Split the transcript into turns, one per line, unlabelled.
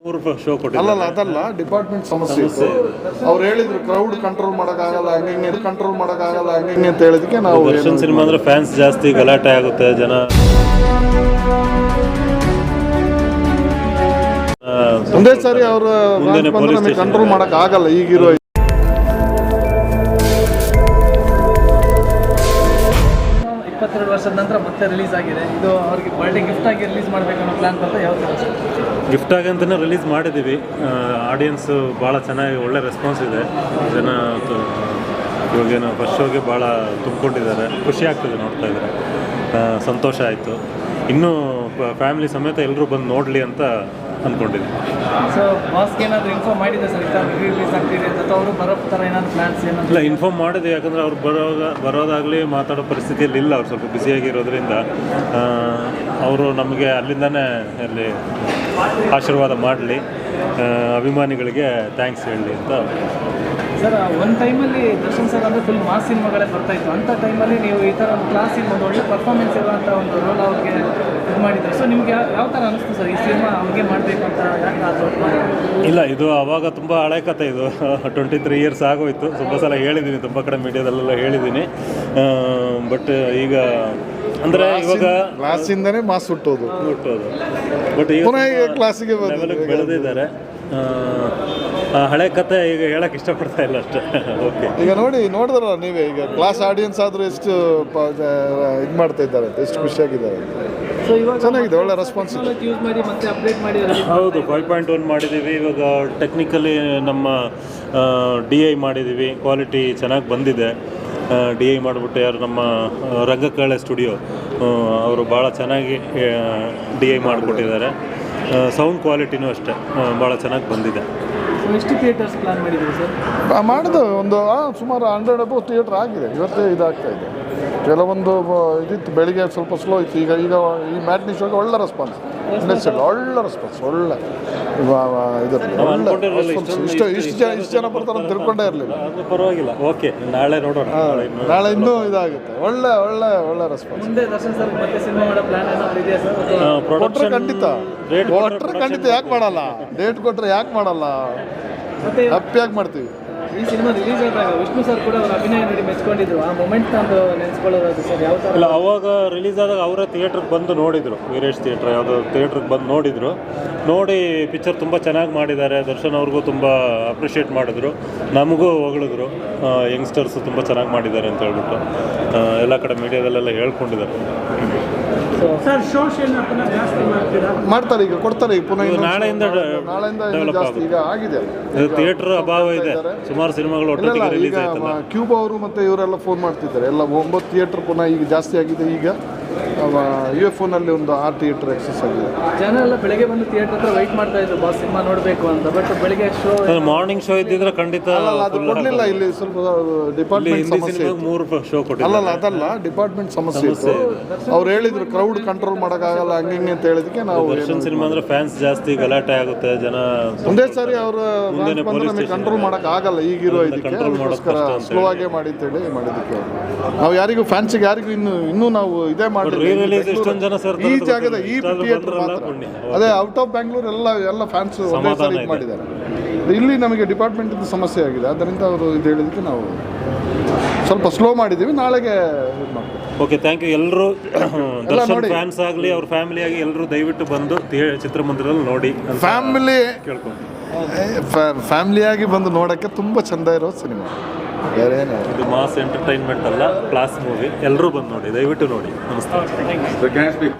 Show
ಅಲ್ಲಲ್ಲ ಅದಲ್ಲ department ಸಮಸ್ಯೆ ಇತ್ತು. ಅವ್ರು ಹೇಳಿದ್ರು ಕ್ರೌಡ್ ಕಂಟ್ರೋಲ್ ಮಾಡೋಕ್ಕಾಗಲ್ಲ, ಹಂಗೆ ಕಂಟ್ರೋಲ್ ಮಾಡೋಕ್ಕಾಗಲ್ಲ, ಹಂಗೆ ಅಂತ ಹೇಳಿದಕ್ಕೆ ನಾವು
ದರ್ಶನ್ ಸಿನಿಮಾ ಅಂದ್ರೆ ಫ್ಯಾನ್ಸ್ ಜಾಸ್ತಿ, ಗಲಾಟೆ ಆಗುತ್ತೆ, ಜನ
ಒಂದೇ ಸಾರಿ ಅವರು ನಮಗೆ ಕಂಟ್ರೋಲ್ ಮಾಡೋಕ್ಕಾಗಲ್ಲ. ಈಗಿರೋ
22 ವರ್ಷದ ನಂತರ ಮತ್ತೆ ರಿಲೀಸ್ ಆಗಿದೆ. ಇದು ಅವ್ರಿಗೆ ಬರ್ಡೇ ಗಿಫ್ಟ್ ಆಗಿ ರಿಲೀಸ್ ಮಾಡಬೇಕು ಅನ್ನೋ ಪ್ಲಾನ್ ಬರ್ತಾ ಯಾವ ಥರ
ಗಿಫ್ಟ್ ಆಗಿ ಅಂತಲೇ ರಿಲೀಸ್ ಮಾಡಿದ್ದೀವಿ. ಆಡಿಯನ್ಸು ಭಾಳ ಚೆನ್ನಾಗಿ ಒಳ್ಳೆ ರೆಸ್ಪಾನ್ಸ್ ಇದೆ. ಜನ ಇವಾಗೇನು ಫಸ್ಟ್ ಶೋಗೆ ಭಾಳ ತುಂಬಿಕೊಂಡಿದ್ದಾರೆ. ಖುಷಿ ಆಗ್ತದೆ ನೋಡ್ತಾ ಇದ್ದಾರೆ, ಸಂತೋಷ ಆಯಿತು. ಇನ್ನೂ ಫ್ಯಾಮಿಲಿ ಸಮೇತ ಎಲ್ಲರೂ ಬಂದು ನೋಡಲಿ ಅಂತ ಅಂದ್ಕೊಂಡಿದ್ದೀನಿ.
ಸೊ ಬಾಸ್ಗೆ ಏನಾದರೂ ಇನ್ಫಾರ್ಮ್ ಮಾಡಿದೆ ಸರ್ ರಿಲೀಸ್ ಆಗ್ತಿದೆ ಅಂತ, ಅವರು ಬರೋ ಥರ ಏನಾದ್ರು ಪ್ಲಾನ್ಸ್ ಏನಾದ್ರು?
ಇಲ್ಲ, ಇನ್ಫಾರ್ಮ್ ಮಾಡಿದೆ. ಯಾಕಂದರೆ ಅವ್ರು ಬರೋದಾಗಲಿ ಮಾತಾಡೋ ಪರಿಸ್ಥಿತಿಯಲ್ಲಿ ಇಲ್ಲ. ಅವ್ರು ಸ್ವಲ್ಪ ಬ್ಯುಸಿಯಾಗಿರೋದ್ರಿಂದ ಅವರು ನಮಗೆ ಅಲ್ಲಿಂದನೇ ಅಲ್ಲಿ ಆಶೀರ್ವಾದ ಮಾಡಲಿ, ಅಭಿಮಾನಿಗಳಿಗೆ ಥ್ಯಾಂಕ್ಸ್ ಹೇಳಲಿ ಅಂತ.
ಸರ್ ಒಂದು ಟೈಮಲ್ಲಿ ದರ್ಶನ್ ಸರ್ ಅಂದರೆ ಫುಲ್ ಮಾಸ್ ಸಿನಿಮಾಗಳೇ ಬರ್ತಾಯಿತ್ತು. ಅಂಥ ಟೈಮಲ್ಲಿ ನೀವು ಈ ಥರ ಒಂದು ಕ್ಲಾಸಿನ ಒಂದು ಒಳ್ಳೆ ಪರ್ಫಾರ್ಮೆನ್ಸ್ ಇರುವಂಥ ಒಂದು ರೋಲ್ ಅವ್ರಿಗೆ ಇದು ಮಾಡಿದ್ದಾರೆ. ಸೊ ನಿಮಗೆ ಯಾವ ಥರ ಅನಿಸ್ತು ಸರ್ ಈ ಸಿನಿಮಾ ಅವ್ರಿಗೆ ಮಾಡಬೇಕು ಅಂತ? ಯಾಕೆ ಅದು
ಇಲ್ಲ, ಇದು ಆವಾಗ ತುಂಬ ಹಳೆ ಕಥೆ. ಇದು 23 ಇಯರ್ಸ್ ಆಗೋಯ್ತು. ತುಂಬ ಸಲ ಹೇಳಿದ್ದೀನಿ, ತುಂಬ ಕಡೆ ಮೀಡಿಯಾದಲ್ಲೆಲ್ಲ ಹೇಳಿದ್ದೀನಿ. ಬಟ್ ಈಗ ಅಂದರೆ ಇವಾಗ
ಕ್ಲಾಸಿಂದನೇ ಮಾಸ್ ಹುಟ್ಟೋದು
ಬಟ್ ಈಗ
ಕ್ಲಾಸಿಗೆ
ಬೆಳೆದಿದ್ದಾರೆ. ಹಳೆ ಕತೆ ಈಗ ಹೇಳಕ್ಕೆ ಇಷ್ಟಪಡ್ತಾ ಇಲ್ಲ ಅಷ್ಟೇ. ಓಕೆ, ಈಗ
ನೋಡಿದ್ರಲ್ಲ ನೀವೇ, ಈಗ ಕ್ಲಾಸ್ ಆಡಿಯನ್ಸ್ ಆದರೂ ಎಷ್ಟು ಇದು ಮಾಡ್ತಾ ಇದ್ದಾರೆ, ಎಷ್ಟು ಖುಷಿಯಾಗಿದ್ದಾರೆ.
ಸೊ ಇವಾಗ
ಚೆನ್ನಾಗಿದೆ, ಒಳ್ಳೆ ರೆಸ್ಪಾನ್ಸ್
ಯೂಸ್ ಮಾಡಿ ಮತ್ತೆ ಅಪ್ಡೇಟ್ ಮಾಡಿ.
ಹೌದು, 5.1 ಮಾಡಿದ್ದೀವಿ. ಇವಾಗ ಟೆಕ್ನಿಕಲಿ ನಮ್ಮ DI ಮಾಡಿದ್ದೀವಿ. ಕ್ವಾಲಿಟಿ ಚೆನ್ನಾಗಿ ಬಂದಿದೆ. DI ಮಾಡಿಬಿಟ್ಟು ಯಾರು ನಮ್ಮ ರಂಗಕಲೆ ಸ್ಟುಡಿಯೋ ಅವರು ಭಾಳ ಚೆನ್ನಾಗಿ DI ಮಾಡಿಕೊಟ್ಟಿದ್ದಾರೆ. ಸೌಂಡ್ ಕ್ವಾಲಿಟಿನೂ ಅಷ್ಟೇ ಭಾಳ ಚೆನ್ನಾಗಿ ಬಂದಿದೆ.
ಎಷ್ಟು ಥಿಯೇಟರ್ಸ್ ಪ್ಲಾನ್ ಮಾಡಿದ್ದೀವಿ ಸರ್?
ಮಾಡಿದ್ದು ಒಂದು ಸುಮಾರು 100 ಅಬೌವ್ ಥಿಯೇಟ್ರ್ ಆಗಿದೆ. ಇವತ್ತೇ ಇದಾಗ್ತಾ ಇದೆ. ಕೆಲವೊಂದು ಇದಿತ್ತು, ಬೆಳಿಗ್ಗೆ ಸ್ವಲ್ಪ ಸ್ಲೋ ಇತ್ತು. ಈಗ ಈ ಮ್ಯಾಟ್ನಿ ಶೋಗೆ ಒಳ್ಳೆ ರೆಸ್ಪಾನ್ಸ್, ಒಳ್ಳೆ ರೆಸ್ಪಾನ್ಸ್, ಒಳ್ಳೆ ಇಷ್ಟು ಜನ ಬರ್ತಾರೆ ಅಂತ ತಿಳ್ಕೊಂಡೇ ಇರಲಿಲ್ಲ.
ಪರವಾಗಿಲ್ಲ, ಓಕೆ, ನಾಳೆ ನೋಡೋಣ.
ನಾಳೆ ಇನ್ನೂ ಇದಾಗುತ್ತೆ. ಒಳ್ಳೆ ಒಳ್ಳೆ ಒಳ್ಳೆ ರೆಸ್ಪಾನ್ಸ್.
ಮುಂದೆ ದರ್ಶನ್ ಸರ್ ಮತ್ತೆ ಸಿನಿಮಾ ಮಾಡೋ ಪ್ಲಾನ್ ಏನಾದ್ರು ಇದೆಯಾ ಸರ್?
ಕೊಟ್ಟರೆ ಖಂಡಿತ ಯಾಕೆ ಮಾಡಲ್ಲ? ಡೇಟ್ ಕೊಟ್ಟರೆ ಯಾಕೆ ಮಾಡಲ್ಲ?
ಮತ್ತೆ
ಹ್ಯಾಪಿಯಾಗಿ ಮಾಡ್ತೀವಿ.
ಈ ಸಿನಿಮಾ ರಿಲೀಸ್ ಆದಾಗ ವಿಷ್ಣು ಸರ್ ಕೂಡ ಅವ್ರ ಅಭಿನಯ ನೋಡಿ ಮೆಚ್ಕೊಂಡಿದ್ರು. ಆ ಮೊಮೆಂಟ್ ಅಂತ ನೆನೆಸ್ಕೊಳ್ಳೋದು ಸರ್ ಯಾವ ಥರ?
ಇಲ್ಲ, ಅವಾಗ ರಿಲೀಸ್ ಆದಾಗ ಅವರೇ ಥಿಯೇಟ್ರಿಗೆ ಬಂದು ನೋಡಿದರು. ವೀರೇಶ್ ಥಿಯೇಟ್ರ್ ಯಾವುದೋ ಥಿಯೇಟ್ರಿಗೆ ಬಂದು ನೋಡಿ ಪಿಕ್ಚರ್ ತುಂಬ ಚೆನ್ನಾಗಿ ಮಾಡಿದ್ದಾರೆ. ದರ್ಶನ್ ಅವ್ರಿಗೂ ತುಂಬ ಅಪ್ರಿಷಿಯೇಟ್ ಮಾಡಿದ್ರು, ನಮಗೂ ಹೊಗಳಿದ್ರು. ಯಂಗ್ಸ್ಟರ್ಸು ತುಂಬ ಚೆನ್ನಾಗಿ ಮಾಡಿದ್ದಾರೆ ಅಂತ ಹೇಳ್ಬಿಟ್ಟು ಎಲ್ಲ ಕಡೆ ಮೀಡಿಯಾದಲ್ಲೆಲ್ಲ ಹೇಳ್ಕೊಂಡಿದ್ದಾರೆ.
ಸರ್ ಸೋಷಿಯಲ್ ಜಾಸ್ತಿ
ಮಾಡ್ತಾರೆ, ಈಗ ಕೊಡ್ತಾರೆ. ಈಗ ಪುನಃ
ನಾಳೆಯಿಂದ
ಜಾಸ್ತಿ ಈಗ ಆಗಿದೆ.
ಥಿಯೇಟರ್ ಅಭಾವ ಇದೆ. ಸುಮಾರು ಸಿನಿಮಾಗಳು ಒಟ್ಟಿಗೆ ರಿಲೀಸ್ ಆಯ್ತಲ್ಲ.
ಕ್ಯೂಬ್ ಅವರು ಮತ್ತು ಇವರೆಲ್ಲ ಫೋನ್ ಮಾಡ್ತಿದ್ದಾರೆ. ಎಲ್ಲ 9 ಥಿಯೇಟರ್ ಪುನಃ ಈಗ ಜಾಸ್ತಿ ಆಗಿದೆ. ಈಗ UFOನಲ್ಲಿ ಒಂದು 6 ಥಿಯೇಟರ್ ಎಕ್ಸಸ್ ಆಗಿದೆ.
ಜನ ಎಲ್ಲ ಬೆಳಗ್ಗೆ ಬಂದು ಥಿಯೇಟರ್ ಹತ್ರ ವೆಯ್ಟ್ ಮಾಡ್ತಾ ಇದ್ರು ಬಾಸ್ ಸಿನಿಮಾ ನೋಡಬೇಕು ಅಂತ. ಬಟ್ ಬೆಳಗ್ಗೆ ಶೋ,
ಮಾರ್ನಿಂಗ್ ಶೋ ಇದ್ದಿದ್ರೆ ಖಂಡಿತ
ಅದು ಕೊಡಲಿಲ್ಲ. ಇಲ್ಲಿ ಸ್ವಲ್ಪ ಡಿಪಾರ್ಟ್ಮೆಂಟ್ ಸಮಸ್ಯೆ.
3 ಶೋ ಕೊಟ್ಟಿಲ್ಲ.
ಅಲ್ಲಲ್ಲ ಅದಲ್ಲ, ಡಿಪಾರ್ಟ್ಮೆಂಟ್ ಸಮಸ್ಯೆ ಇತ್ತು. ಅವ್ರು ಹೇಳಿದ್ರು ಕ್ರೌಡ್ ಕಂಟ್ರೋಲ್ ಮಾಡೋಕ್ಕಾಗಲ್ಲ, ಹಂಗೆ ಅಂತ ಹೇಳಿದಕ್ಕೆ ನಾವು
ದರ್ಶನ್ ಸಿನಿಮಾ ಅಂದ್ರೆ ಫ್ಯಾನ್ಸ್ ಜಾಸ್ತಿ, ಗಲಾಟೆ ಆಗುತ್ತೆ, ಜನ
ಒಂದೇ ಸಾರಿ ಅವರು ನಮಗೆ ಕಂಟ್ರೋಲ್ ಮಾಡೋಕ್ಕಾಗಲ್ಲ. ಈಗಿರೋ ಇದಕ್ಕೆ ಅದಕ್ಕೋಸ್ಕರ ಸ್ಲೋ ಆಗೇ ಮಾಡಿ ಅಂತೇಳಿ ಮಾಡಿದ್ದಕ್ಕೆ ನಾವು ಯಾರಿಗೂ ಫ್ಯಾನ್ಸಿಗೆ ಯಾರಿಗೂ ಇನ್ನೂ ನಾವು ಇದೇ ಮಾಡಿ ಈ ಜಾಗದ ಈ ಥಿಯೇಟರ್ ಮಾತ್ರ. ಅದೇ ಔಟ್ ಆಫ್ ಬ್ಯಾಂಗ್ಳೂರ್ ಎಲ್ಲ ಫ್ಯಾನ್ಸ್ ಒಂದೇ ಸಾರಿ ಮಾಡಿದ್ದಾರೆ. ಇಲ್ಲಿ ನಮಗೆ ಡಿಪಾರ್ಟ್ಮೆಂಟಿಂದ ಸಮಸ್ಯೆ ಆಗಿದೆ. ಆದ್ದರಿಂದ ಅವರು ಇದು ಹೇಳಿದಕ್ಕೆ ನಾವು ಸ್ವಲ್ಪ ಸ್ಲೋ ಮಾಡಿದ್ದೀವಿ. ನಾಳೆಗೆ ಇದು ಮಾಡ್ತೀವಿ.
Okay, thank you. ಎಲ್ಲರೂ ದರ್ಶನ್ ಫ್ಯಾನ್ಸ್ ಆಗಲಿ, ಅವ್ರ ಫ್ಯಾಮಿಲಿ ಆಗಿ ಎಲ್ಲರೂ ದಯವಿಟ್ಟು ಬಂದು ಚಿತ್ರಮಂದಿರದಲ್ಲಿ ನೋಡಿ.
ಫ್ಯಾಮಿಲಿಯಾಗಿ ಬಂದು ನೋಡೋಕ್ಕೆ ತುಂಬ ಚೆಂದ ಇರೋ ಸಿನಿಮಾ.
ಇದು ಮಾಸ್ ಎಂಟರ್ಟೈನ್ಮೆಂಟ್ ಅಲ್ಲ, ಕ್ಲಾಸ್ ಮೂವಿ. ಎಲ್ಲರೂ ಬಂದು ನೋಡಿ, ದಯವಿಟ್ಟು ನೋಡಿ. ನಮಸ್ತೆ.